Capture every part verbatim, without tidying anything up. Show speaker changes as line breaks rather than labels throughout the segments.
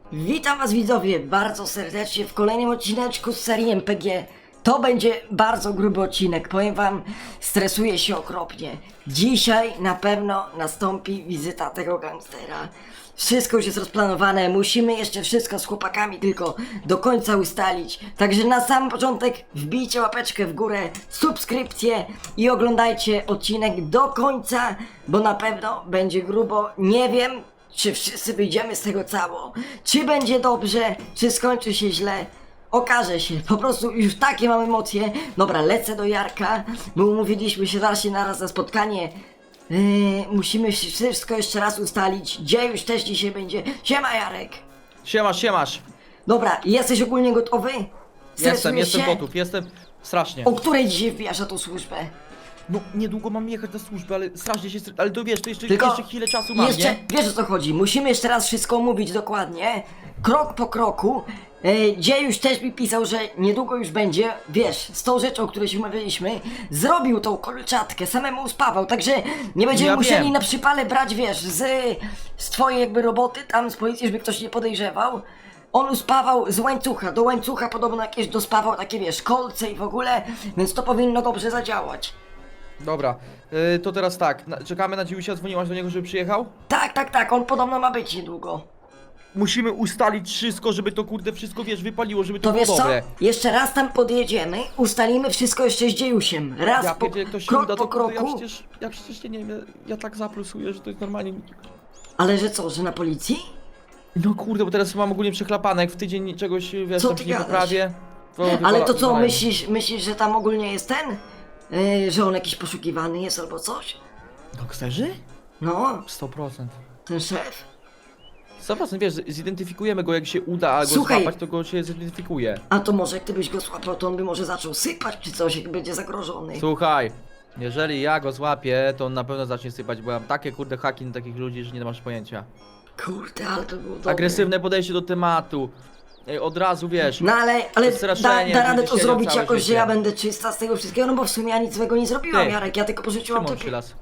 Witam was widzowie bardzo serdecznie w kolejnym odcineczku z serii M P G. To będzie bardzo gruby odcinek, powiem wam, stresuję się okropnie. Dzisiaj na pewno nastąpi wizyta tego gangstera. Wszystko już jest rozplanowane, musimy jeszcze wszystko z chłopakami tylko do końca ustalić. Także na sam początek wbijcie łapeczkę w górę, subskrypcję i oglądajcie odcinek do końca, bo na pewno będzie grubo. Nie wiem, czy wszyscy wyjdziemy z tego cało, czy będzie dobrze, czy skończy się źle. Okaże się, po prostu już takie mam emocje. Dobra, lecę do Jarka, bo umówiliśmy się zaraz się naraz na spotkanie. Yy, musimy wszystko jeszcze raz ustalić, gdzie już też dzisiaj będzie. Siema Jarek.
Siemasz, siemasz.
Dobra, jesteś ogólnie gotowy?
Jestem,
Stresujesz
jestem
się?
gotów, jestem strasznie.
O której dzisiaj wbijasz na tą służbę?
No niedługo mam jechać na służbę, ale strasznie się stres... Ale to wiesz, to jeszcze,
Tylko
jeszcze chwilę czasu mam,
jeszcze,
nie?
wiesz o co chodzi, musimy jeszcze raz wszystko omówić dokładnie, krok po kroku. E, Gdzie już też mi pisał, że niedługo już będzie, wiesz, z tą rzeczą, o której się umawialiśmy, zrobił tą kolczatkę, samemu uspawał, także nie będziemy
Ja
musieli
wiem.
na przypale brać, wiesz, z, z twojej jakby roboty, tam z policji, żeby ktoś nie podejrzewał. On uspawał z łańcucha, do łańcucha podobno jakieś dospawał takie, wiesz, kolce i w ogóle, więc to powinno dobrze zadziałać.
Dobra, yy, to teraz tak, na, czekamy na Dziusia, dzwoniłaś do niego, żeby przyjechał?
Tak, tak, tak, on podobno ma być niedługo.
Musimy ustalić wszystko, żeby to kurde wszystko, wiesz, wypaliło, żeby to,
To
było
wiesz co?
dobre.
Jeszcze raz tam podjedziemy, ustalimy wszystko jeszcze z Dziejusiem. Raz
Ja
po,
pierdzielę, jak to się
krok
uda,
po
to, to ja
kroku.
przecież, ja przecież nie wiem, ja, ja tak zaplusuję, że to jest normalnie...
Ale że co, że na policji?
No kurde, bo teraz mam ogólnie przechlapane, jak w tydzień czegoś, wiesz,
Co
tam
ty
się nie
gadasz?
poprawię. To
Ale
wywala-
to co,
wywalają.
myślisz, myślisz, że tam ogólnie jest ten? Yy, że on jakiś poszukiwany jest albo coś?
Gangsterzy?
No,
sto procent.
ten szef.
sto procent, wiesz, zidentyfikujemy go, jak się uda go
Słuchaj.
złapać, to go się zidentyfikuje.
A to może gdybyś go złapał, to on by może zaczął sypać czy coś, jak będzie zagrożony.
Słuchaj, jeżeli ja go złapię, to on na pewno zacznie sypać, bo ja mam takie kurde haki na takich ludzi, że nie masz pojęcia.
Kurde, ale to było dobre.
Agresywne podejście do tematu. Ej, od razu wiesz.
No ale, ale da,
Straszenie,
da radę
będzie
to
siedział
zrobić
całe
jakoś, że
życie.
ja będę czysta z tego wszystkiego, no bo w sumie ja nic złego nie zrobiłam,
Ty.
Jarek, ja tylko pożyczyłam
Szymon
to...
przylas.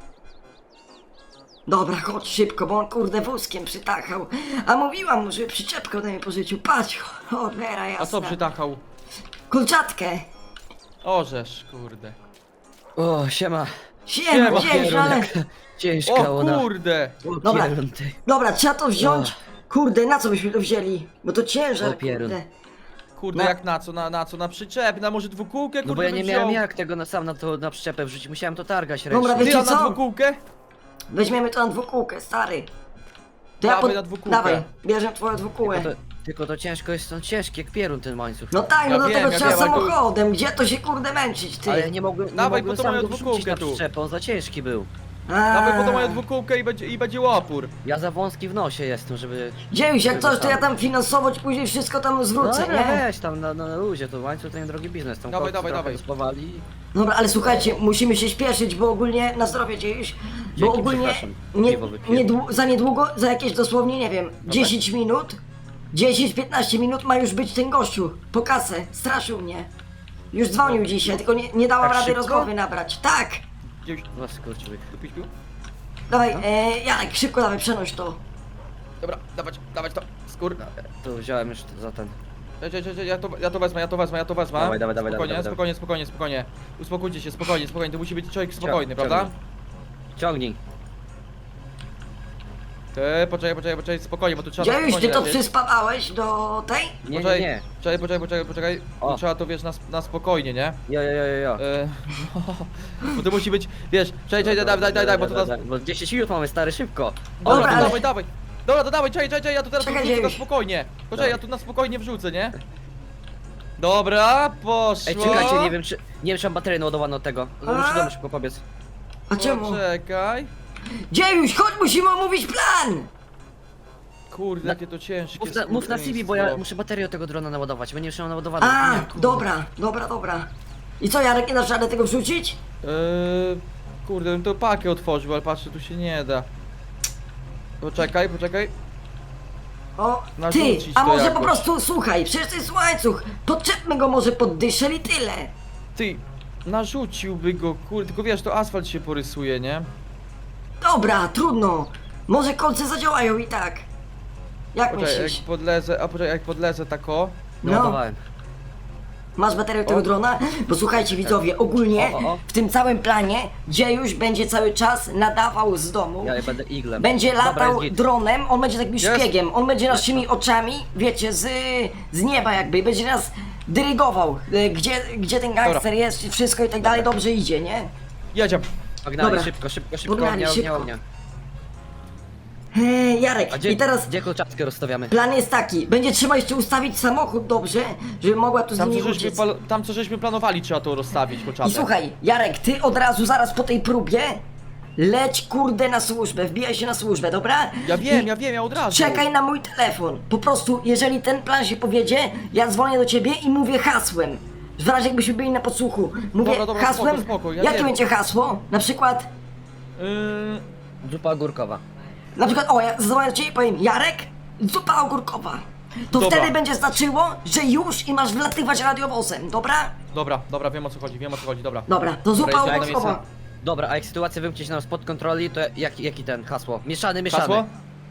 Dobra, chodź szybko, bo on kurde wózkiem przytachał. A mówiłam mu, żeby przyczepkę ode mnie pożyczył. Patrz, cholera jasna.
A co przytachał?
Kulczatkę.
Orzesz, kurde.
O, siema.
Siema,
Siema,
wziąć, ale...
Ciężka
O
ona.
kurde!
Dobra.
Pierun ty.
Dobra, trzeba to wziąć. Kurde, na co byśmy to wzięli? Bo to ciężar,
O, pierun.
kurde.
Kurde,
Na-
jak na co, na, na co, na przyczep, na może dwukółkę, kurde
No bo ja nie
bym
miałem
wziął.
jak tego na sam na to na przyczepę wrzucić, musiałem to targać
Dobra,
ręcznie.
wiecie
Ty, a na
co?
dwukółkę?
Weźmiemy to na dwukółkę, stary. To
Dawaj na dwukółkę.
Dawaj, bierzemy twoją dwukółę.
Tylko to, tylko to ciężko jest, on ciężki jak pierun ten łańcuch.
No tak, no
Ja
do
wiem,
tego
ja
trzeba
wiem, ale to-
samochodem. Gdzie to się kurde męczyć, ty?
Ale nie mogłem, nie
Dawaj,
mogłem
po to
sam
moją
go wrzucić
dwukółkę
na
tu.
przyczepę, on za ciężki był.
A.
Dawaj po to moją dwukółkę i będzie, i będzie łopór.
Ja za wąski w nosie jestem, żeby...
Dziejuś, jak
żeby
coś, to
sam-
ja tam finansowo ci później wszystko tam
No
zwrócę,
dobra,
nie?
weź tam na, na, na luzie, to łańcuch to nie drogi biznes, tam
Dawaj,
chłopcy
dawaj,
trochę
dawaj.
dospawali.
Dobra, ale słuchajcie, musimy się śpieszyć, bo ogólnie na zdrowie dziejuś, bo
Dzięki,
ogólnie
przepraszam.
nie,
Piwo wypiłem.
niedłu- za niedługo, za jakieś dosłownie, nie wiem, dziesięć minut, dziesięć piętnaście minut ma już być ten gościu po kasę, straszył mnie. Już dzwonił dzisiaj, tylko nie, nie dałam
Tak
rady
szybko?
rozmowy nabrać. Tak!
Gdzieś
No skurczyły.
tu pić pił?
Dawaj,
No.
e, Jarek, szybko dawaj, przenoś to.
Dobra, dawać, dawać to. Skór.
To wziąłem już za ten.
Cześć, cześć, cześć, ja to, ja to wezmę, ja to wezmę, ja to wezmę.
Dawaj, dawaj, dawaj,
Spokojnie,
dawaj, dawaj.
spokojnie, spokojnie, spokojnie. Uspokójcie się, spokojnie, spokojnie, to musi być człowiek spokojny,
Ciągnij.
prawda?
Ciągnij.
Ty, poczekaj, poczekaj, poczekaj, spokojnie, bo tu trzeba...
Dziejuś, ty
spokojnie
to
lecieć.
przyspawałeś do tej?
Nie, nie,
Poczekaj,
nie.
Poczekaj, poczekaj, poczekaj, poczekaj.
O.
Tu trzeba to, wiesz, na, sp- na spokojnie, nie?
Jo, jo, jo, jo, jo.
E, no, bo to musi być, wiesz, czekaj, czekaj, daj, daj, daj, daj, bo to nas...
Bo dziesięć minut mamy, stary, szybko.
Dobra,
Dobra,
to
ale-
dawaj, dawaj. Dobra, to dawaj, czekaj, czekaj, czekaj, ja tu teraz
Czekaj,
wrzucę na
Dziejuś.
spokojnie. Poczekaj,
Dawaj.
ja tu na spokojnie wrzucę, nie? Dobra, poszło.
Ej, czekajcie, nie wiem czy... Nie wiem czy mam baterię naładowaną od tego. Muszę do domu szybko pobiec.
A czemu?
Poczekaj.
Dziejuś, chodź, musimy omówić plan!
Kurde,
Na-
jakie to ciężkie
Mów na, mów na C V, bo ja muszę baterię od tego drona naładować, bo nie wiem naładowaną.
A,
Nie, kurde.
dobra, dobra, dobra. I co, Jarek, nie dasz rady tego wrzucić?
Eee, kurde, bym to pakę otworzył, ale patrzę, tu się nie da. Poczekaj, poczekaj.
O, ty,
Narzucić
a
to
może po
jakoś.
prostu, słuchaj, przecież to jest łańcuch, podczepmy go może pod dyszel i tyle.
Ty, narzuciłby go, kurde, tylko wiesz, to asfalt się porysuje, nie?
Dobra, trudno, może kolce zadziałają i tak. Jak
Poczekaj, jak
myślisz?
podlezę, a poczekaj, jak podlezę tako.
No.
Naładowałem.
Masz baterię tego
O.
drona? Bo słuchajcie widzowie, ogólnie
O, o, o.
w tym całym planie Dziejuś będzie cały czas nadawał z domu.
Ja będę iglem.
Będzie
Dobra,
latał
jest git.
dronem, on będzie takim
Jest.
szpiegiem, on będzie naszymi oczami, wiecie, z, z nieba jakby, i będzie nas dyrygował, y, gdzie, gdzie ten gangster
Dobra.
jest, i wszystko i tak dalej, dobrze idzie, nie?
Jedziemy.
Pognali,
Dobra.
szybko, szybko, szybko,
Pognali,
ognia, ognia,
szybko.
ognia.
Eee, Jarek,
A gdzie,
i teraz
gdzie kolczatkę rozstawiamy?
plan jest taki, będzie trzeba jeszcze ustawić samochód dobrze, żeby mogła tu z
Tam co,
nim
żeśmy,
uciec.
pal- tam co żeśmy planowali, trzeba to rozstawić po
I
czapie.
słuchaj, Jarek, ty od razu zaraz po tej próbie leć kurde na służbę, wbijaj się na służbę, dobra?
Ja wiem,
I
ja wiem, ja od razu.
czekaj na mój telefon. Po prostu, jeżeli ten plan się powiedzie, ja dzwonię do ciebie i mówię hasłem. W razie jakbyśmy byli na podsłuchu. Mówię
Dobra, dobra,
hasłem.
spoko, spoko, ja
jakie
wiem.
będzie hasło? Na przykład,
Yy,
Zupa ogórkowa.
na przykład, o, ja zadzwonię do ciebie i powiem Jarek, zupa ogórkowa. To
Dobra.
wtedy będzie znaczyło, że już i masz wlatywać radiowozem, dobra?
dobra, dobra, wiem o co chodzi, wiem o co chodzi, dobra.
Dobra, to zupa
Dobra, jest
ogórkowa.
miejsce.
Dobra, a jak sytuacja wymknie się nam spod kontroli, to jaki, jaki ten hasło? Mieszany, mieszany.
Hasło?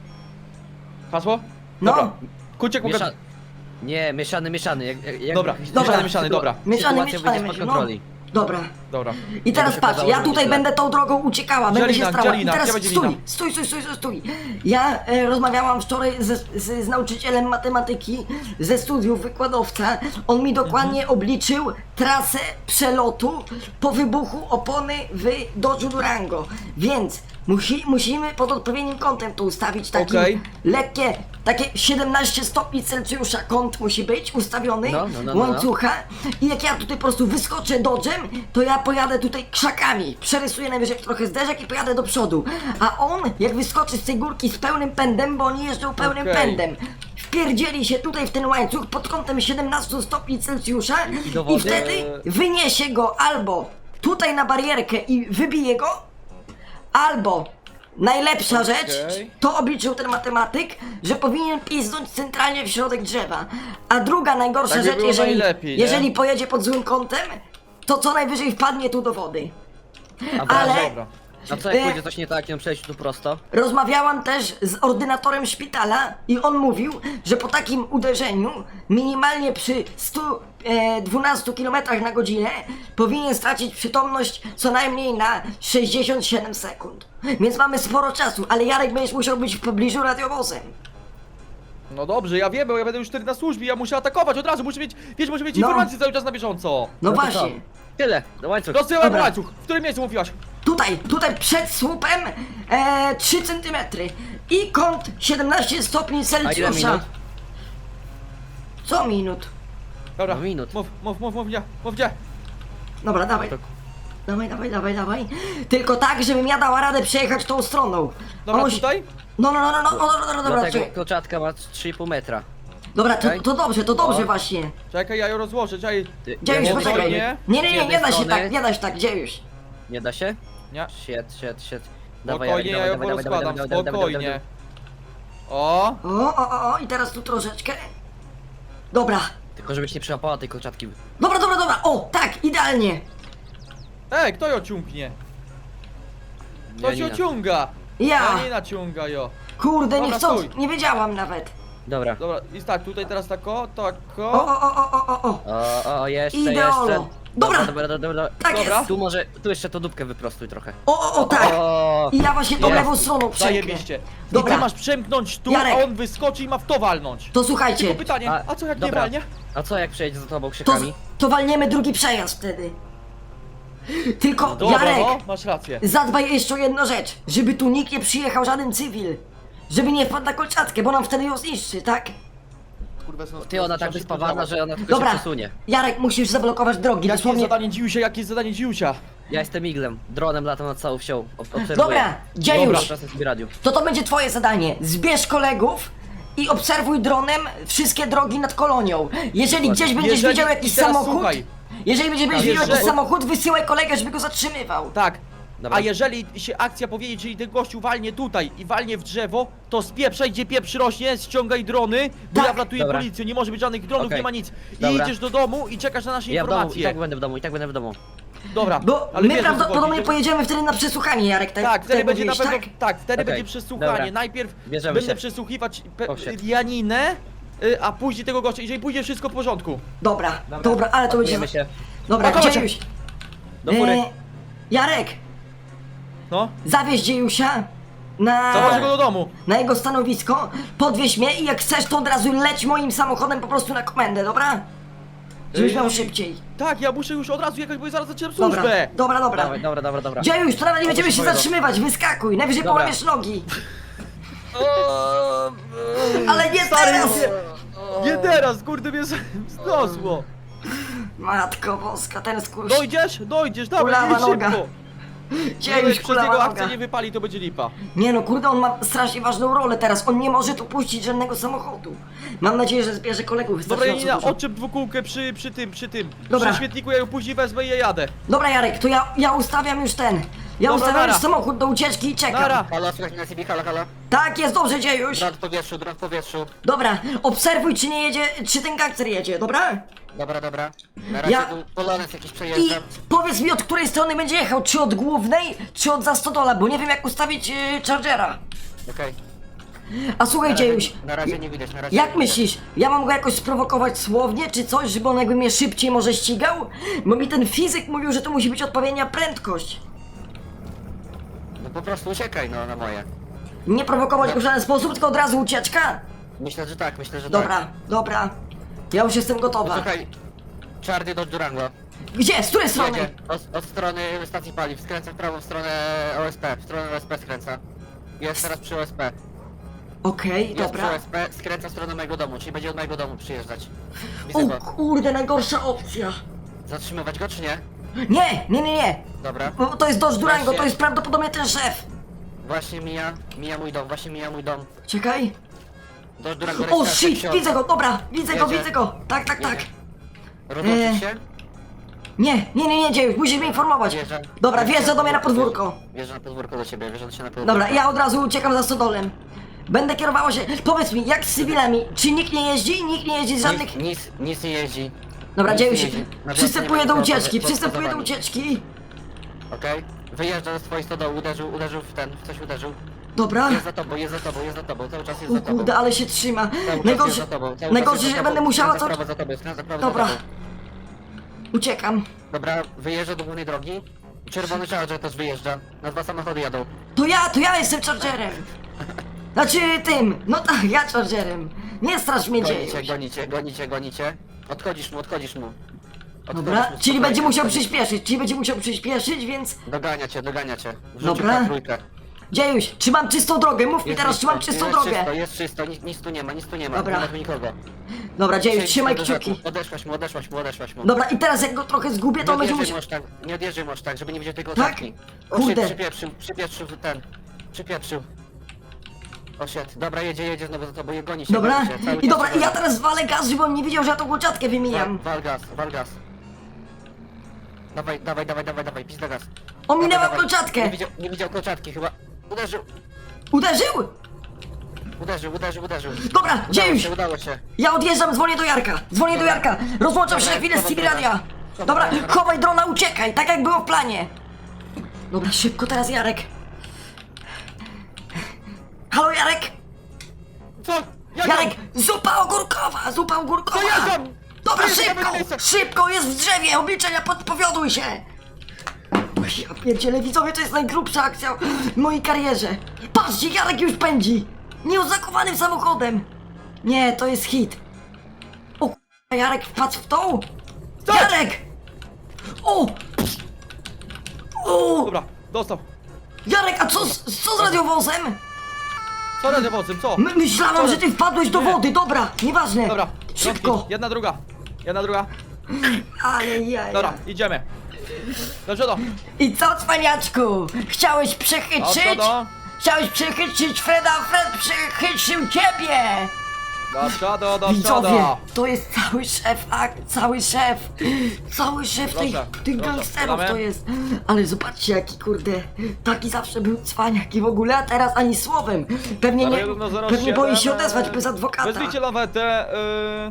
Hasło?
No.
Dobra. Kuciek
Miesza...
pokaż...
Nie, mieszany, mieszany. Jak, jak, jak-
Dobra,
jak-
mieszany,
sytu-
mieszany, dobra.
Mieszany,
Sytuacja
mieszany
wyjdzie spod
będzie, no.
kontroli.
Dobra.
Dobra.
I teraz
się
patrz,
okazało,
ja
że
tutaj
źle.
będę tą drogą uciekała, będę się
Dzielina,
starała. I
dzielina,
teraz
gdzie będzie
stój,
dzielina?
stój, stój, stój, stój, stój. Ja e, rozmawiałam wczoraj ze, z, z nauczycielem matematyki ze studiów, wykładowca. On mi dokładnie
Mhm.
obliczył trasę przelotu po wybuchu opony w Dodge'u Durango. Więc musi, musimy pod odpowiednim kątem to ustawić, takim
Okej.
lekkie, takie siedemnaście stopni Celsjusza kąt musi być ustawiony,
No, no, no, no.
łańcucha. I jak ja tutaj po prostu wyskoczę Dodge'em, to ja pojadę tutaj krzakami, przerysuję najwyżej trochę zderzak i pojadę do przodu. A on, jak wyskoczy z tej górki z pełnym pędem, bo oni jeżdżą pełnym
Okej.
pędem, wpierdzieli się tutaj w ten łańcuch pod kątem siedemnaście stopni Celsjusza
I do
i
wody.
wtedy wyniesie go albo tutaj na barierkę i wybije go, albo najlepsza rzecz, to obliczył ten matematyk, że powinien piznąć centralnie w środek drzewa. A druga najgorsza
Tak by
rzecz,
było
jeżeli,
najlepiej, nie?
jeżeli pojedzie pod złym kątem, to co najwyżej wpadnie tu do wody.
A
Ale
Dobra.
A co jak
e,
pójdzie coś nie tak i on przejść tu prosto?
rozmawiałam też z ordynatorem szpitala i on mówił, że po takim uderzeniu minimalnie przy stu dwunastu kilometrach na godzinę powinien stracić przytomność co najmniej na sześćdziesiąt siedem sekund. Więc mamy sporo czasu, ale Jarek będziesz musiał być w pobliżu radiowozem.
No dobrze, ja wiem, bo ja będę już wtedy na służbie, ja muszę atakować od razu, muszę mieć, wiesz, muszę mieć
No.
informacje cały czas na bieżąco.
No,
to
właśnie.
co? Tyle, do łańcuch.
Rozsyłam
Dobra.
łańcuch, w którym miejscu mówiłaś?
Tutaj, tutaj przed słupem e, trzy centymetry i kąt siedemnaście stopni
A ile
Celsjusza.
minut?
Co minut?
Dobra,
No minut.
mów, mów, mów, mów gdzie, mów gdzie.
Dobra, dawaj.
To-
Dawaj, dawaj, dawaj, dawaj. Tylko tak, żebym ja dała radę przejechać tą stroną.
Dobra,
On musi-
tutaj?
No, no, no, no, no, no, no, no, dobra,
Dlatego
czekaj.
kolczatka ma trzy i pół metra.
Dobra, to,
Okej.
to dobrze, to dobrze
O.
właśnie.
Czekaj, ja ją rozłożę, czekaj.
Ty,
Gdzie już,
ja
poczekaj.
spokojnie.
Nie, nie,
z
nie, nie
jednej
da się
strony-
tak, nie da się tak, gdzie już?
Nie da się?
Nie,
Shit, shit, shit.
spokojnie, ja ją
dawaj, dawaj,
porozkładam,
dawaj, dawaj, dawaj,
spokojnie.
dawaj.
O,
O, o, o, o, i teraz tu troszeczkę. Dobra,
Tylko żebyś nie przełapała tej kolczatki.
dobra, dobra, dobra, o, tak, idealnie.
ej, kto ją ciągnie? To się
Janina.
ciąga.
Ja,
Janina ciąga ją.
kurde,
Dobra,
nie chcąc,
stój.
nie wiedziałam nawet.
Dobra.
Dobra, i tak, tutaj teraz tako,
O,
tako.
o, o, o, o, o, o.
O, o, jeszcze,
Ideolo.
jeszcze.
Dobra.
Dobra, dobra, dobra.
Tak
Dobra.
jest.
Tu może, tu jeszcze to dupkę wyprostuj trochę.
O, o, o, tak.
O,
I ja właśnie tą
Jest.
lewą stroną przemknę.
Zajebiście. I
Dobra.
ty masz przemknąć tu,
Jarek.
a on wyskoczy i ma w to walnąć.
To słuchajcie,
Tylko pytanie,
A,
a co jak nie
dobra.
walnie?
a co jak przejedzie za tobą
to,
krzykami?
to walniemy drugi przejazd wtedy. Tylko,
Dobra,
Jarek,
no, masz rację.
zadbaj jeszcze o jedną rzecz, żeby tu nikt nie przyjechał, żaden cywil. Żeby nie wpadł na kolczatkę, bo nam wtedy ją zniszczy, tak?
Kurwa, są-
Ty, ona
są
tak
szybko
wyspawana,
działa.
że ona tylko
Dobra,
się przesunie.
Jarek, musisz zablokować drogi,
Jakie jest
dosłownie.
zadanie Dziusia, jakie jest zadanie Dziusia?
Ja jestem iglem, dronem latam nad całą wsią. ob- Obserwuję.
Dobra, gdzie
Dobra,
już?
czasem sobie radiu.
To to będzie twoje zadanie. Zbierz kolegów i obserwuj dronem wszystkie drogi nad kolonią. Jeżeli gdzieś będziesz
Jeżeli-
widział jakiś
i teraz
samochód,
słuchaj.
jeżeli będziesz
Tak,
widział
jeżeli-
jakiś samochód, wysyłaj kolegę, żeby go zatrzymywał.
Tak.
Dobra.
A jeżeli się akcja powiedzie, czyli ten gościu walnie tutaj i walnie w drzewo, to spieprzaj, gdzie pieprz rośnie, ściągaj drony, bo
Tak.
ja wlatuję
Dobra.
policję, nie może być żadnych dronów,
Okej.
nie ma nic. I
Dobra.
idziesz do domu i czekasz na nasze
Ja w domu, i
informacje.
tak będę w domu, i tak będę w domu.
Dobra,
Bo
ale
my
wiesz, o co
prawdopodobnie
chodzi, że-
pojedziemy wtedy na przesłuchanie, Jarek, tak?
Tak, wtedy
tak
będzie na
mówiłeś,
pewno,
tak?
tak, wtedy
Okej,
będzie przesłuchanie.
dobra.
Najpierw
Bierzemy
będę
się.
przesłuchiwać pe-
Oh, shit.
Janinę, y, a później tego gościa, jeżeli pójdzie wszystko w porządku.
Dobra, dobra, ale to będzie...
Pakujemy się.
Dobra,
Pakować się.
Dziejuś.
Do góry.
E, Jarek,
No,
zawieź Dziejusia na...
zawożę go do domu.
na jego stanowisko, podwieź mnie i jak chcesz, to od razu leć moim samochodem po prostu na komendę, dobra? Żebyś
Ej,
miał szybciej.
Tak, ja muszę już od razu jechać, bo ja zaraz zaczynam
Dobra,
służbę.
dobra, dobra.
Dawaj, dobra, dobra, dobra.
Dziejuś, to nawet nie będziemy się
powiem.
zatrzymywać, wyskakuj, najwyżej
Dobra.
połamiesz nogi. Ale nie
Stary,
teraz!
nie, nie teraz, kurde mnie zniosło.
Matko boska, ten skór...
Dojdziesz? Dojdziesz, dawaj,
Kulawa
jedź
noga.
szybko.
Dziejuś,
Jeżeli przez
kulawa
jego
noga.
akcję nie wypali, to będzie lipa.
Nie no, kurde, on ma strasznie ważną rolę teraz, on nie może tu puścić żadnego samochodu. Mam nadzieję, że zbierze kolegów
Dobra,
wystarczająco
Janina,
dużo.
odczep dwukółkę przy, przy tym, przy tym.
Dobra.
Przy świetniku, ja ją później wezmę i ja jadę.
Dobra, Jarek, to ja, ja ustawiam już ten. Ja
Dobra,
ustawiam
nara.
już samochód do ucieczki i czekam.
Nara.
Halo, słychać mnie na C B, halo, halo.
Tak, jest dobrze, Dziejuś.
Dron w powietrzu, dron w powietrzu.
Dobra, obserwuj, czy nie jedzie, czy ten gangster jedzie, dobra?
Dobra, dobra. Na razie
Ja-
tu polonez jakiś
I
przejeżdżam.
powiedz mi, od której strony będzie jechał, czy od głównej, czy od zastodola, bo nie wiem jak ustawić yy, Chargera.
Okej.
A słuchaj,
Na
Dziejuś,
razie- Na razie nie widać, na razie
jak
nie widać.
myślisz, ja mam go jakoś sprowokować słownie, czy coś, żeby on jakby mnie szybciej może ścigał? Bo mi ten fizyk mówił, że to musi być odpowiednia prędkość.
No po prostu uciekaj, no, na moje.
Nie prowokować go w żaden sposób, tylko od razu ucieczka?
Myślę, że tak, myślę, że
Dobra,
tak.
dobra. Ja już jestem gotowa.
Słuchaj, czarny do Durango.
Gdzie? Z której strony?
Jedzie od, od strony stacji paliw, skręca w prawo w stronę O S P, w stronę O S P skręca. Jest teraz przy O S P.
Okej,
Jest przy
dobra.
O S P, skręca w stronę mojego domu, czyli będzie od mojego domu przyjeżdżać.
O
Widzę go.
kurde, najgorsza opcja.
Zatrzymywać go czy nie?
Nie, nie, nie, nie.
Dobra.
Bo to jest Dodge Durango,
Właśnie.
to jest prawdopodobnie ten szef.
Właśnie mija, mija mój dom, właśnie mija mój dom.
Czekaj.
Do Durango
O
rejestracja
shit,
ksiąg.
widzę go, dobra, widzę go,
Jedzie.
widzę go. Tak, tak, tak.
Jedzie. Rozłączyć
Eee.
się?
Nie, nie, nie, nie, Dziejuś, musisz mnie informować.
Wjeżdża.
Dobra, wjeżdża do mnie na podwórko.
Wjeżdża na podwórko do ciebie, wjeżdża się na podwórko.
Dobra, ja od razu uciekam za stodolem. Będę kierowała się. Powiedz mi, jak z cywilami? Czy nikt nie jeździ? Nikt nie jeździ z żadnych.
Nic, nic, nic nie jeździ.
Dobra,
nic
Dziejuś,
nie jeździ. Na
przystępuję
wiosnę
do
nie ma nikogo
ucieczki,
poza-
przystępuję do
poza wami.
ucieczki.
Okej? Wyjeżdża ze swojej stodoły, uderzył, uderzył w ten, w coś uderzył.
Dobra.
Jest za tobą, jest za tobą, jest za tobą, cały czas jest
O
za tobą.
kurde, ale się trzyma.
Cały czas jest
Najgorsze,
za tobą, cały
najgorsze,
czas jest
że
za
będę
tobą.
musiała
Skręca
co...
w prawo za tobą, skręca w prawo
Dobra.
za tobą.
Uciekam.
Dobra, wyjeżdża do głównej drogi. Czerwony Charger też wyjeżdża. Na dwa samochody jadą.
To ja, to ja jestem Chargerem. Znaczy tym, no tak, ja Chargerem. Nie strasz mnie,
Gonicie,
Dziejuś.
gonicie, gonicie, gonicie. Odchodzisz mu, odchodzisz mu. Odchodzisz
Dobra,
mu,
czyli
spokojnie,
będzie musiał
odchodzisz.
przyspieszyć, czyli będzie musiał przyspieszyć, więc...
Dogania cię, dogania cię. Wrzucił
Dobra.
na trójkę.
Dziejuś, czy mam czystą drogę? Mów mi
Jest
teraz, czy mam
czysto,
czystą
jest
drogę?
Czysto, jest czysto, nic, nic tu nie ma, nic tu nie ma.
Dobra.
Nie ma tu nikogo.
Dobra, Dziejuś,
Przejdź
trzymaj
do rzeku.
kciuki.
Odeszłaś mu, odeszłaś mu, odeszłaś mu.
Dobra, i teraz jak go trochę zgubię, to
Nie
będzie
odjeżdżaj
musiał...
może tak, nie odjeżdżaj może tak, żeby nie widział tego
Tak?
oczarki.
Kurde.
Przypieprzył, przypieprzył ten. Przypieprzył. O shit, dobra, jedzie, jedzie znowu za tobą, je goni się.
Dobra,
goni się, cały
i
czas
dobra,
się
i ja
goni.
teraz walę gaz, żeby on nie widział, że ja tą głodziatkę
Wal,
wymijam.
wal gaz, wal gaz. Dawaj, dawaj, dawaj, dawaj, dawaj, pizda gaz.
Ominęłam
Dawaj, dawaj.
kolczatkę.
Nie widział, nie widział kolczatki chyba. Uderzył,
Uderzył?
uderzył, uderzył, uderzył.
Dobra,
Udało
Dziejuś,
się, udało się.
ja odjeżdżam, dzwonię do Jarka. Dzwonię do
Dobra.
Jarka. Rozłączam się
Dobra,
na chwilę z
chowaj
T V
drona.
radia.
Chowaj
Dobra,
drona.
chowaj drona, uciekaj, tak jak było w planie. Dobra, szybko teraz Jarek. Halo Jarek?
Co? Jak
Jarek, zupa ogórkowa, zupa ogórkowa.
To ja tam!
Dobra,
To jest
szybko,
tam miejsce.
szybko, jest w drzewie, obliczenia, podpowiaduj się. Ja pierdzielę, widzowie, to jest najgrubsza akcja w mojej karierze. Patrzcie, Jarek już pędzi. Nieoznakowanym samochodem. Nie, to jest hit. O k***a, Jarek wpadł w tą?
Stop!
Jarek! O! O!
Dobra, dostał.
Jarek, a co, z- co z radiowozem?
Co radiowozem, co?
My, myślałam, że ty wpadłeś do
Nie.
wody, dobra, nieważne.
Dobra,
Szybko.
rączki. Jedna, druga. Jedna, druga.
Ajajaj.
Dobra, idziemy. Dobrze, do.
I co, cwaniaczku? Chciałeś przechytrzyć?
Do przodu.
Chciałeś przechytrzyć Freda, a Fred przechytrzył ciebie!
Do przodu, do
Widzowie,
przodu.
to jest cały szef, a cały szef, cały szef tych,
Proszę,
tych
proszę,
gangsterów
podamy?
to jest. Ale zobaczcie jaki kurde, taki zawsze był cwaniak i w ogóle, a teraz ani słowem. Pewnie nie,
Zero jeden zero
pewnie boi się
siedem,
odezwać bez adwokata.
Wezwijcie lawetę,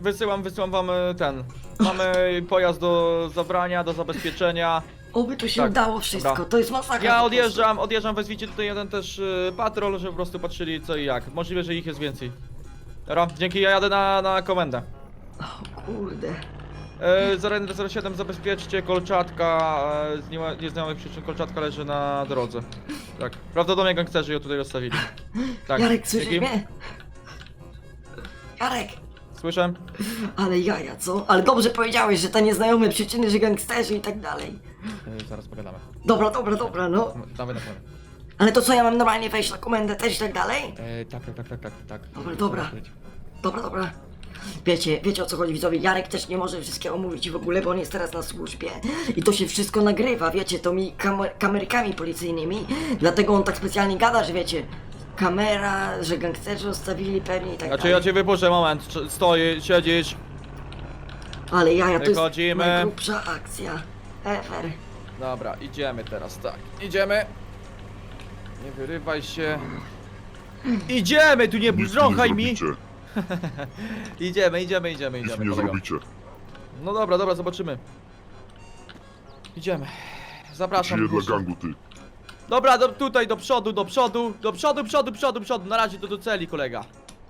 wysyłam, wysyłam wam e, ten. Mamy pojazd do zabrania, do zabezpieczenia.
Oby tu się
Tak,
udało wszystko,
dobra.
to jest masakra. po
Ja
prostu.
odjeżdżam, odjeżdżam, wezwijcie tutaj jeden też e, patrol, żeby po prostu patrzyli co i jak. Możliwe, że ich jest więcej. Dobra, dzięki, ja jadę na, na komendę.
O kurde.
E, zero jeden zero siedem zabezpieczcie, kolczatka, e, z nie- nieznajomych przyczyn kolczatka leży na drodze. Tak, prawdopodobnie gangsterzy ją tutaj rozstawili. Tak,
Jarek, słyszysz
dzięki.
mnie? Jarek!
Słyszę?
Ale jaja, co? Ale dobrze powiedziałeś, że te nieznajome przyczyny, że gangsterzy i tak dalej.
E, zaraz pogadamy.
Dobra, dobra, dobra, no.
Dawaj na komendę.
Ale to co, ja mam normalnie wejść na komendę też i tak dalej?
E, tak, tak, tak, tak, tak, tak.
Dobra, dobra. Dobra, dobra. Wiecie, wiecie o co chodzi widzowie, Jarek też nie może wszystkiego mówić w ogóle, bo on jest teraz na służbie i to się wszystko nagrywa, wiecie, to mi kamer kamerkami policyjnymi, dlatego on tak specjalnie gada, że wiecie, kamera, że gangsterzy ostawili pewnie i tak
Znaczy
dalej.
ja cię wypuszczę, moment, Cz- stoi, siedzisz.
Ale jaja, to jest
Wychodzimy.
najgrubsza akcja ever.
Dobra, idziemy teraz, tak. Idziemy. Nie wyrywaj się. Idziemy, tu nie
Nic mi
brząchaj
nie
mi.
zrobicie.
Idziemy, idziemy, idziemy,
Nic
idziemy.
mi nie
kolega.
zrobicie.
No dobra, dobra, zobaczymy. Idziemy. Zapraszam.
Żyję dla
proszę.
gangu, ty.
Dobra, do, tutaj do przodu, do przodu, do przodu, przodu, przodu, przodu. Na razie to do celi, kolega.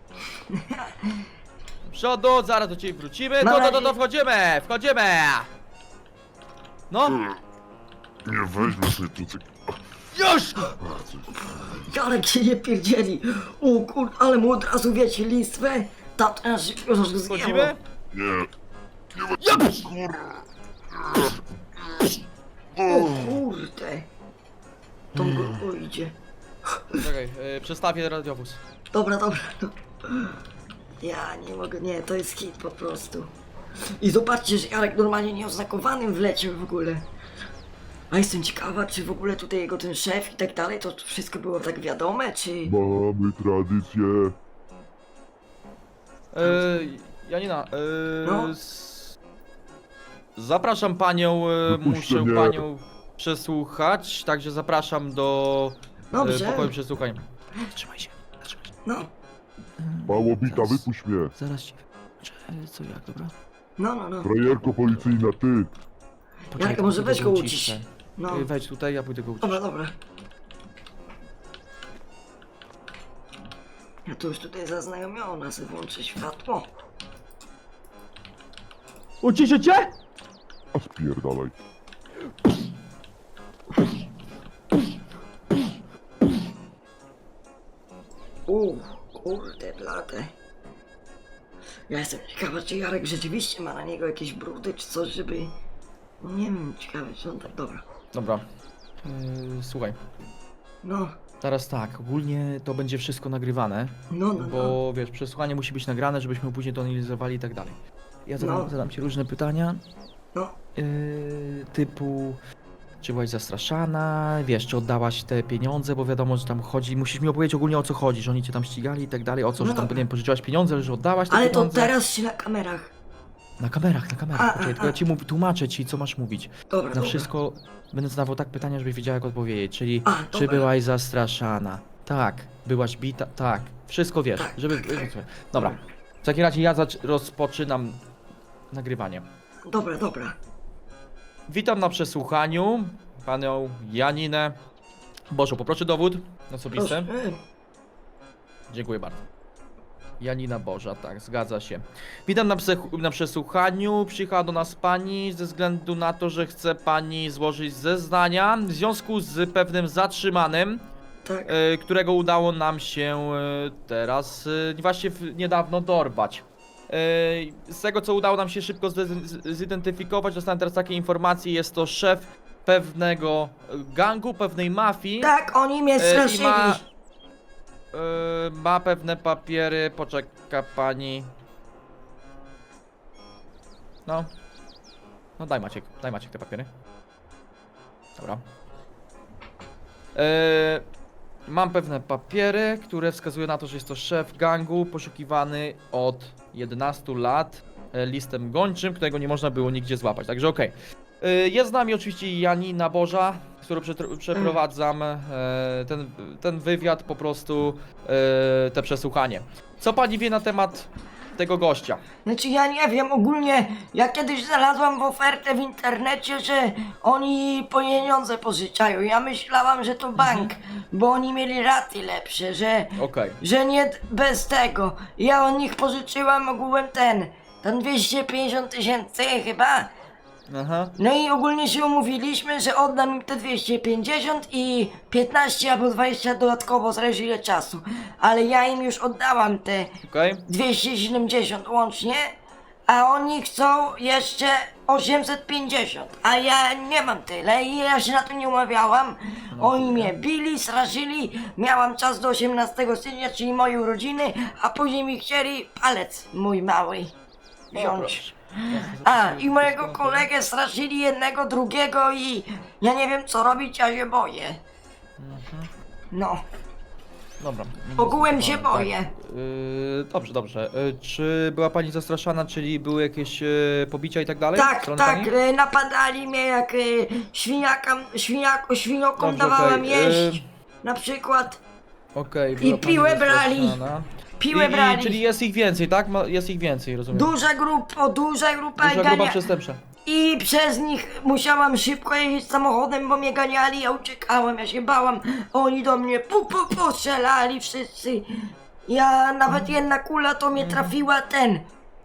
Do przodu, zaraz do ciebie wrócimy.
Na
To, to, to,
razie.
to, wchodzimy, wchodzimy. No,
Nie weźmie sobie tu cyk...
już!
Jarek się nie pierdzieli. O kur... ale mu od razu wiecie listwę. Tak, aż już go zjęło.
Wchodzimy?
Nie. Nie weźmie, kurwa.
O kurde. To go idzie.
Czekaj, yy, przestawię radiowóz.
Dobra, dobra. No. Ja nie mogę, nie, to jest hit po prostu. I zobaczcie, że Jarek normalnie nieoznakowanym wleciał w ogóle. A jestem ciekawa, czy w ogóle tutaj jego ten szef i tak dalej, to wszystko było tak wiadome, czy...
Mamy tradycję.
Yy, Janina, yy,
No.
s- zapraszam panią, yy,
Wypuśćcie
muszę
mnie.
panią przesłuchać, także zapraszam do yy,
Dobrze.
pokoju przesłuchań. Trzymaj się, trzymaj się.
No,
Mało bita, wypuść mnie.
Zaraz ci wytłumaczę, co jak, dobra?
no, no, no.
Frajerko policyjna, ty.
Jarek, może weź go ucisz. No,
Yy, wejdź tutaj, ja pójdę go ucisz.
dobra, dobra. Ja tu już tutaj zaznajomiona, sobie włączę światło.
Uciszę cię?
A spierdalaj.
Uuu, kurde blade. Ja jestem ciekawa, czy Jarek rzeczywiście ma na niego jakieś brudy, czy coś, żeby... No nie wiem, ciekawe, czy on tak... Dobra.
Dobra, yy, słuchaj.
No,
Teraz tak, ogólnie to będzie wszystko nagrywane,
no, no, no.
bo wiesz, przesłuchanie musi być nagrane, żebyśmy później to analizowali i tak dalej. Ja zadam,
No.
zadam ci różne pytania,
No,
yy, typu czy byłaś zastraszana, wiesz, czy oddałaś te pieniądze, bo wiadomo, że tam chodzi, musisz mi opowiedzieć ogólnie o co chodzi, że oni cię tam ścigali i tak dalej, o co,
No
że tam,
dobra.
nie wiem, pożyczyłaś pieniądze, ale że oddałaś te
ale to
pieniądze.
teraz się na kamerach.
Na kamerach, na kamerach,
A,
poczekaj,
a,
tylko ja
a.
ci mów, tłumaczę ci, co masz mówić.
Dobra,
Na
dobra.
wszystko będę zadawał tak pytania, żebyś wiedziała jak odpowiedzieć, czyli
A,
czy
dobra.
byłaś zastraszana? Tak. Byłaś bita? Tak. Wszystko wiesz,
Tak,
żeby...
tak, tak.
Dobra. W takim razie ja zacz- rozpoczynam nagrywanie.
Dobra, dobra.
Witam na przesłuchaniu panią Janinę. Bożo, poproszę dowód osobisty.
Proszę.
Dziękuję bardzo. Janina Boża, tak, zgadza się. Witam na, psech- na przesłuchaniu. Przyjechała do nas pani ze względu na to, że chce pani złożyć zeznania w związku z pewnym zatrzymanym,
Tak.
e, którego udało nam się e, teraz, e, właśnie w, niedawno dorwać. E, z tego, co udało nam się szybko zde- z- zidentyfikować, dostałem teraz takie informacje, jest to szef pewnego gangu, pewnej mafii.
Tak, oni mnie
E, i
straszyli.
ma, e, ma pewne papiery, poczeka pani. No. No daj Maciek, daj Maciek te papiery. Dobra. E, mam pewne papiery, które wskazują na to, że jest to szef gangu poszukiwany od jedenastu lat e, listem gończym, którego nie można było nigdzie złapać, także okej. E, Jest z nami oczywiście Janina Boża, z którą przetr- przeprowadzam e, ten, ten wywiad, po prostu e, te przesłuchanie. Co pani wie na temat tego gościa.
Znaczy ja nie wiem, ogólnie ja kiedyś znalazłam w ofertę w internecie, że oni pieniądze pożyczają. Ja myślałam, że to bank, bo oni mieli raty lepsze, że,
Okej.
że nie bez tego. Ja od nich pożyczyłam ogółem ten, tam dwieście pięćdziesiąt tysięcy chyba.
Aha.
No i ogólnie się umówiliśmy, że oddam im te dwieście pięćdziesiąt i piętnaście albo dwadzieścia dodatkowo, zależy ile czasu. Ale ja im już oddałam te
Okej.
dwieście siedemdziesiąt łącznie, a oni chcą jeszcze osiemset pięćdziesiąt, a ja nie mam tyle i ja się na to nie umawiałam. Oni mnie bili, straszyli, miałam czas do osiemnastego stycznia, czyli mojej urodziny, a później mi chcieli palec mój mały wziąć. A, i mojego kolegę straszyli jednego, drugiego i ja nie wiem co robić, ja się boję. No,
Dobra.
ogółem się
Tak.
boję.
Yy, dobrze, dobrze. Yy, czy była pani zastraszana, czyli były jakieś yy, pobicia i tak dalej?
Tak,
Strony
tak,
pani?
e, napadali mnie jak e, świniakam, świniako, świniokom
Dobrze,
dawałam
okej,
jeść,
y-
na przykład
Okej,
I
była pani
piłę brali.
zastraszana.
piłę
I, i,
brali.
czyli jest ich więcej, tak? Ma, jest ich więcej, rozumiem.
Duża grupa, duża grupa
Duża
i
grupa
gania...
przestępcza.
I przez nich musiałam szybko jeździć samochodem, bo mnie ganiali, ja uciekałem, ja się bałam. Oni do mnie pu pu pu strzelali wszyscy. Ja nawet jedna kula to mnie trafiła ten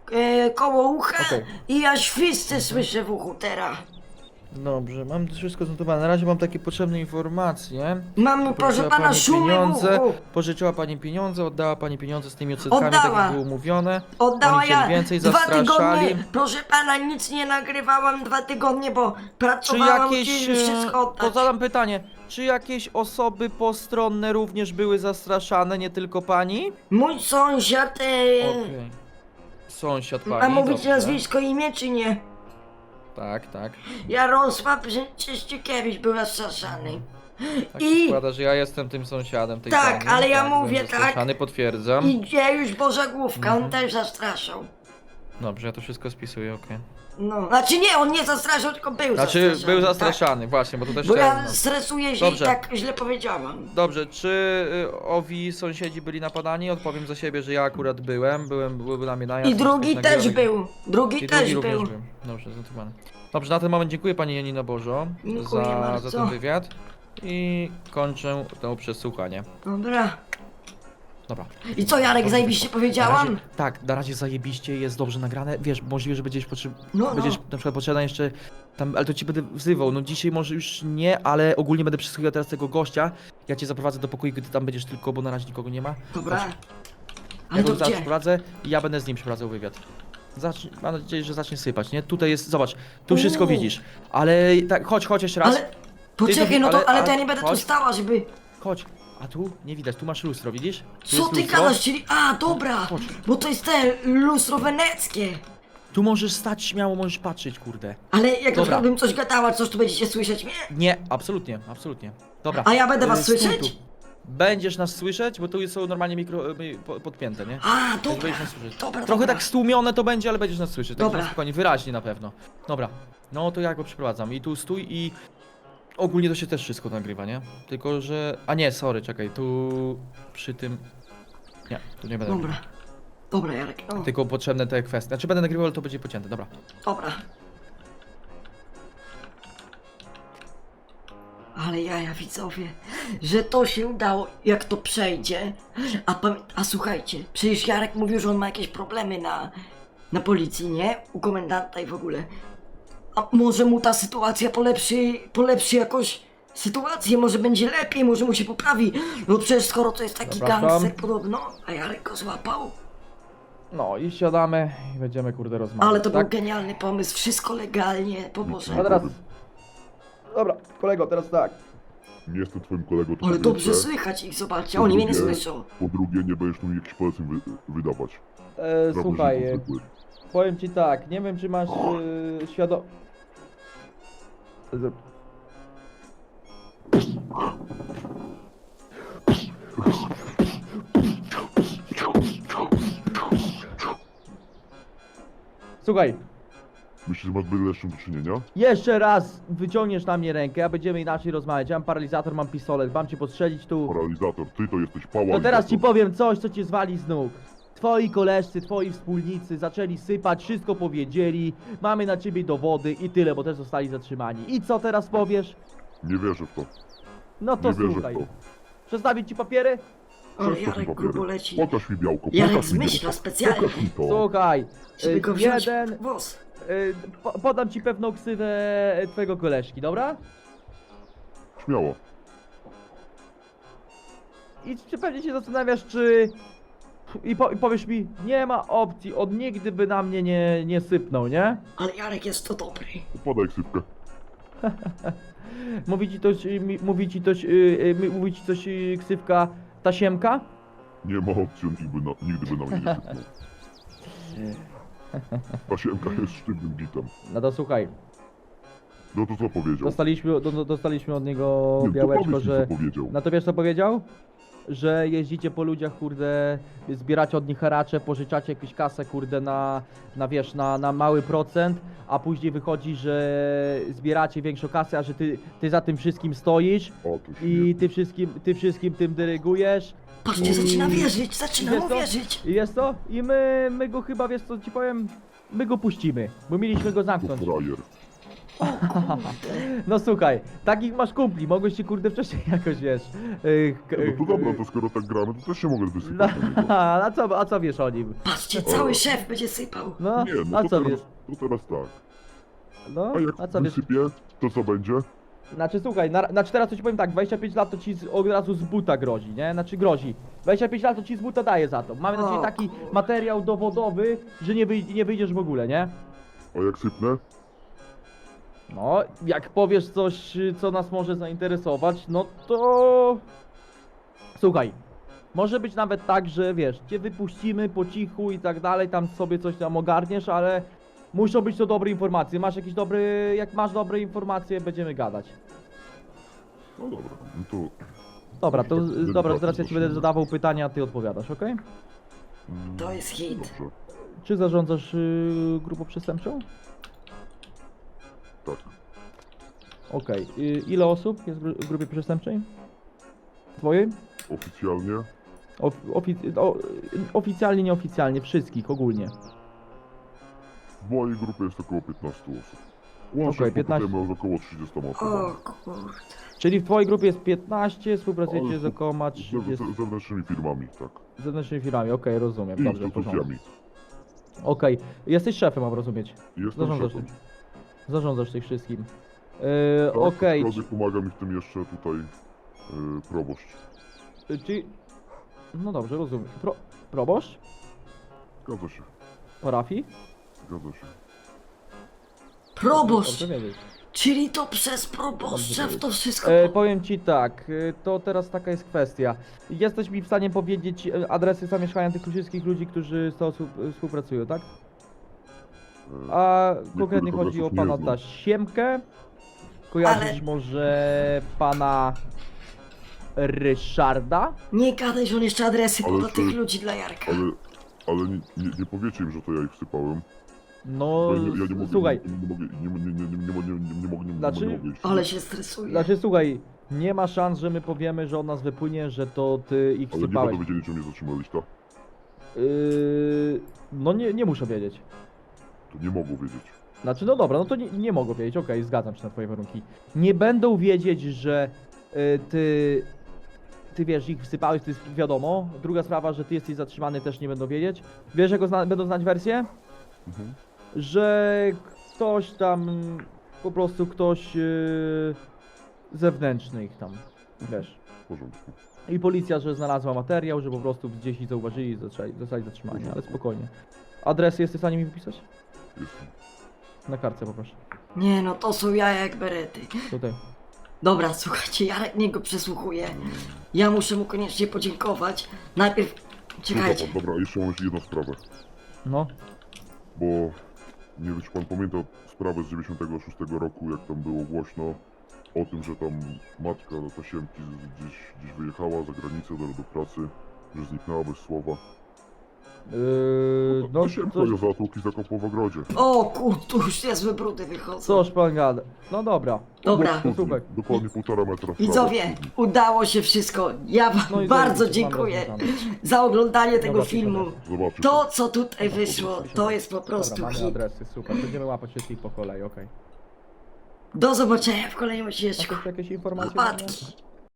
e, koło ucha
Okej.
i ja świsty słyszę w uchu teraz.
Dobrze, mam wszystko znotowane. Na razie mam takie potrzebne informacje.
Mam, proszę
Pożyczyła
pana,
pani
szumy w
pieniądze,
uchu.
pożyczyła pani pieniądze, oddała pani pieniądze z tymi odsetkami, tak
Oddała.
jak było umówione.
Oddała
Oni chcieli
ja
więcej,
dwa
zastraszali.
tygodnie, proszę pana, nic nie nagrywałam dwa tygodnie, bo
Czy
pracowałam,
jakieś,
chcieli wszystko
e,
oddać.
to zadam pytanie, czy jakieś osoby postronne również były zastraszane, nie tylko pani?
Mój sąsiad, e,
Okej. Sąsiad pani,
a mówić
dobrze.
nazwisko, imię czy nie?
Tak, tak.
Jarosław Czyścikiewicz był zastraszany.
Tak
I-
się składa, że ja jestem tym sąsiadem tej
Tak,
pani.
ale ja
byłem
mówię tak.
zastraszany, potwierdzam.
I Dziejusz Boża Główka,
Mhm.
on też zastraszał.
Dobrze, ja to wszystko spisuję, okej.
No, znaczy nie, on nie zastraszał, tylko był
Znaczy,
zastraszany.
był zastraszany, właśnie, bo to
Tak.
też
Bo
chciałem,
ja
no.
stresuję się
Dobrze.
i tak źle powiedziałam.
Dobrze, czy y, owi sąsiedzi byli napadani? Odpowiem za siebie, że ja akurat byłem, byłem, były na mnie najazd.
I drugi
coś
też
nagrywali.
był. Drugi
I
też
drugi
był.
również był. Dobrze, zanotowane. Dobrze, na ten moment dziękuję pani Janino Bożo
Dziękuję
za,
bardzo.
za ten wywiad. I kończę to przesłuchanie.
Dobra.
Dobra.
I co, Jarek,
Dobrze
zajebiście
wyszło.
powiedziałam?
Na razie, tak, na razie zajebiście, jest dobrze nagrane. Wiesz, możliwe, że będziesz, potrzeb...
No, no.
będziesz na przykład potrzebna jeszcze tam, ale to ci będę wzywał. No dzisiaj może już nie, ale ogólnie będę przesłuchiwał teraz tego gościa. Ja cię zaprowadzę do pokoju, gdy tam będziesz tylko, bo na razie nikogo nie ma.
Dobra.
Chodź.
Ale
Ja
to
go zaraz
gdzie?
przeprowadzę i ja będę z nim przeprowadzał wywiad. Zacznij, mam nadzieję, że zacznie sypać, nie? Tutaj jest, zobacz, tu wszystko
Uuu.
widzisz. Ale tak, chodź, chodź jeszcze raz.
Ale... Poczekaj, no to,
ale-
ale to ja
ale-
nie będę tu
chodź.
stała, żeby...
Chodź. A tu? Nie widać, tu masz lustro, widzisz? Tu
Co
jest
ty
lustro.
gadasz, czyli... A, dobra!
Chodź.
Bo to jest te lustro weneckie.
Tu możesz stać śmiało, możesz patrzeć, kurde.
Ale jak na
Dobra.
przykład bym coś gadała, coś tu będziecie słyszeć mnie?
Nie, absolutnie, absolutnie. Dobra.
A ja będę was
y, stój
słyszeć?
tu. Będziesz nas słyszeć, bo tu są normalnie mikro, y, po- podpięte, nie?
A,
Więc
dobra.
będziesz nas słyszeć.
Dobra,
Trochę
dobra.
tak stłumione to będzie, ale będziesz nas słyszeć.
Dobra.
Tak spokojnie, wyraźnie na pewno. Dobra. No to ja go przeprowadzam. I tu stój i... Ogólnie to się też wszystko nagrywa, nie? Tylko, że... A nie, sorry, czekaj, tu... Przy tym... Nie, tu nie będę
Dobra.
nagrywał.
Dobra, Jarek, no.
Tylko potrzebne te kwestie. Znaczy będę nagrywał, ale to będzie pocięte, dobra.
Dobra. Ale jaja, widzowie, że to się udało, jak to przejdzie. A, pamię- a słuchajcie, przecież Jarek mówił, że on ma jakieś problemy na, na policji, nie? U komendanta i w ogóle. A może mu ta sytuacja polepszy, polepszy jakoś sytuację, może będzie lepiej, może mu się poprawi. No przecież skoro to jest taki
Zapraszam.
gangster podobno, a Jarek go złapał.
No i siadamy i będziemy kurde rozmawiać,
Ale to
tak?
był genialny pomysł, wszystko legalnie, po Boże.
A teraz... Dobra, kolego, teraz tak.
Nie jestem twoim kolegą, to
Ale
po
dobrze
pierwsze.
słychać ich, zobaczcie,
Po
oni mnie nie
drugie-
słyszą.
Po drugie, nie będziesz tu mi jakichś poleceń wy, wydawać.
E,
Prawda,
słuchaj,
że
e,
to zwykły.
powiem ci tak, nie wiem czy masz e, świadom... Z- Słuchaj,
Myślisz, że masz byle z czym do czynienia?
jeszcze raz wyciągniesz na mnie rękę, a będziemy inaczej rozmawiać. Ja mam paralizator, mam pistolet, mam cię postrzelić tu.
Paralizator, ty to jesteś pała.
To teraz ci powiem coś, co cię zwali z nóg. twoi koleżcy, twoi wspólnicy zaczęli sypać, wszystko powiedzieli, mamy na ciebie dowody i tyle, bo też zostali zatrzymani. I co teraz powiesz?
Nie wierzę w to.
No to
Nie wierzę
słuchaj.
w to.
Przedstawić ci papiery?
O,
Przeskaż mi
Jarek
papiery.
grubo leci.
Pokaż mi białko,
Jarek
pokaż mi
zmyśla
białko.
specjalnie.
Pokaż mi to.
Słuchaj,
Żeby
y,
go wziąć
jeden,
w włos.
y, po, podam ci pewną ksywę twojego koleżki, dobra?
Śmiało.
I czy pewnie się zastanawiasz, czy... I, po, I powiesz mi, nie ma opcji, on nigdy by na mnie nie, nie sypnął, nie?
Ale Jarek jest to dobry.
Podaj ksywkę.
Mówi ci coś, y, mi- mówi ci coś, y, y, mówi ci coś y, ksywka Tasiemka?
Nie ma opcji, on nigdy, na, nigdy by na mnie nie sypnął. Pasiemka jest sztywnym bitem.
No to słuchaj,
No to co powiedział?
dostaliśmy, do, do- dostaliśmy od niego
Nie, to
białeczko,
powiedz mi,
że...
co powiedział.
No to wiesz co powiedział? Że jeździcie po ludziach, kurde, zbieracie od nich haracze, pożyczacie jakąś kasę, kurde, na, na wiesz, na, na mały procent, a później wychodzi, że zbieracie większą kasę, a że ty, ty za tym wszystkim stoisz
O, to
i
śmie-
ty wszystkim, ty wszystkim tym dyrygujesz.
Patrzcie,
I-
zaczyna wierzyć, zaczyna
Wiesz
mu
co?
wierzyć.
I jest to? I my, my go chyba, wiesz co ci powiem, my go puścimy, bo mieliśmy go
to
zamknąć.
frajer.
No słuchaj, takich masz kumpli, mogłeś się kurde wcześniej jakoś, wiesz... Yy,
No to dobra, to skoro tak gramy, to też się mogę
No,
wysypać na niego.
a, co, a co wiesz o nim?
Patrzcie, cały szef będzie sypał.
No,
Nie, no
a
to
co
teraz,
wiesz?
to teraz tak.
No,
A jak
a co wiesz?
wysypię, to co będzie?
Znaczy słuchaj, na, znaczy teraz to ci powiem tak, dwadzieścia pięć lat to ci z, od razu z buta grozi, nie? Znaczy grozi. dwadzieścia pięć lat to ci z buta daje za to. Mamy na ciebie
O,
taki
kurde.
materiał dowodowy, że nie, wyj nie wyjdziesz w ogóle, nie?
A jak sypnę?
No, jak powiesz coś, co nas może zainteresować, no to... Słuchaj, może być nawet tak, że wiesz, cię wypuścimy po cichu i tak dalej, tam sobie coś tam ogarniesz, ale muszą być to dobre informacje. Masz jakieś dobre, jak masz dobre informacje, będziemy gadać.
No dobra, no to...
Dobra, to
Tak,
y, dobra,
tak,
teraz ja ci
zacznijmy.
będę zadawał pytania, a ty odpowiadasz, okej?
mm,
To jest hit.
Dobrze,
Czy zarządzasz y, grupą przestępczą?
tak.
Okej. Y, ile osób jest w gru- w grupie przestępczej? Twojej?
Oficjalnie
Of, ofic- o, y, oficjalnie, nieoficjalnie, wszystkich, ogólnie.
w mojej grupie jest około piętnaście osób. Łącznie
Okej, piętnaście.
współpracujemy z około trzydziestoma
O
osobami.
kurde.
Czyli w twojej grupie jest piętnaście, współpracujecie
Ale
z około
Z,
trzydziestu
z, zewnętrznymi firmami, tak.
zewnętrznymi firmami, okej, rozumiem,
I
dobrze, w porządku.
instytucjami.
Okej, jesteś szefem, mam rozumieć.
Jestem
Zarządzasz
szefem.
tym. Zarządzasz tych wszystkim. Yy,
Tak,
okej,
aczkolwiek pomaga mi w tym jeszcze tutaj yy, proboszcz.
czy... czy... No dobrze, rozumiem. Pro... Proboszcz?
Zgadza się,
Parafii?
zgadza się.
Proboszcz!
Dobrze wiedzieć.
Czyli to przez proboszcza w to wszystko...
E, powiem ci tak, e, to teraz taka jest kwestia. Jesteś mi w stanie powiedzieć e, adresy zamieszkania tych wszystkich ludzi, którzy z tobą współ- współpracują, tak?
Yy,
A konkretnie
adresów
chodzi o
nie
pana
znam.
Tasiemkę. Kojarzysz
Ale-
może pana Ryszarda?
Nie gadaj, że on jeszcze adresy
Ale
poda
to-
tych ludzi dla Jarka.
Ale, ale nie, nie, nie powiecie im, że to ja ich wsypałem.
No,
Bo ja, ja nie mogę,
słuchaj,
nie, nie, mogę, nie, nie, nie, nie, nie, mogę- nie, nie, nie mogę, nie,
Znaczy-
nie mogę iść.
Ale się stresuje.
znaczy słuchaj, nie ma szans, że my powiemy, że od nas wypłynie, że to ty ich
Ale nie
wsypałeś.
będą wiedzieli, czy mnie zatrzymali, tak?
Yy, no nie, nie muszę wiedzieć.
To nie mogą wiedzieć.
Znaczy, no dobra, no to nie, nie mogą wiedzieć, okej, zgadzam się na twoje warunki. Nie będą wiedzieć, że y, ty, ty wiesz, ich wsypałeś, to jest wiadomo. Druga sprawa, że ty jesteś zatrzymany, też nie będą wiedzieć. Wiesz, jaką zna będą znać wersję?
Mhm.
Że ktoś tam, po prostu ktoś y, zewnętrzny ich tam, wiesz.
W porządku.
I policja, że znalazła materiał, że po prostu gdzieś ich zauważyli i zostali, zostali zatrzymani, ale spokojnie. Adresy jesteś w stanie mi wypisać?
Jestem.
Na kartce poproszę.
Nie no, to są jaja jak berety.
Tutaj.
Dobra, słuchajcie, Jarek niego przesłuchuje. Ja muszę mu koniecznie podziękować. Najpierw... Czekajcie.
Dobra, dobra, jeszcze mam jeszcze jedną sprawę.
No.
Bo nie wiem, czy pan pamięta sprawę z dziewięćdziesiątego szóstego roku, jak tam było głośno o tym, że tam matka Tasiemki z- gdzieś, gdzieś wyjechała za granicę do, do pracy, że zniknęła bez słowa.
Yy,
No,
no
to się
coś,
za zatłuki zakopał w ogrodzie.
O kur, tu już niezłe brudy wychodzą.
coś pan gada. No dobra.
Dobra.
To super.
Dokładnie półtora metra w prawo
Widzowie,
od studni.
udało się wszystko. Ja wam
No i
bardzo
zajebiście, mam
dziękuję
rozwiązane.
za oglądanie tego
Dobra,
filmu.
super.
Zobaczysz.
To, co tutaj wyszło, to jest po prostu
Dobra, mamy
hit.
adresy, super. Będziemy łapać wszystkich po kolei, okej.
Do zobaczenia w kolejnym
A
odcineczku.
to jakieś informacje?
Łapatki.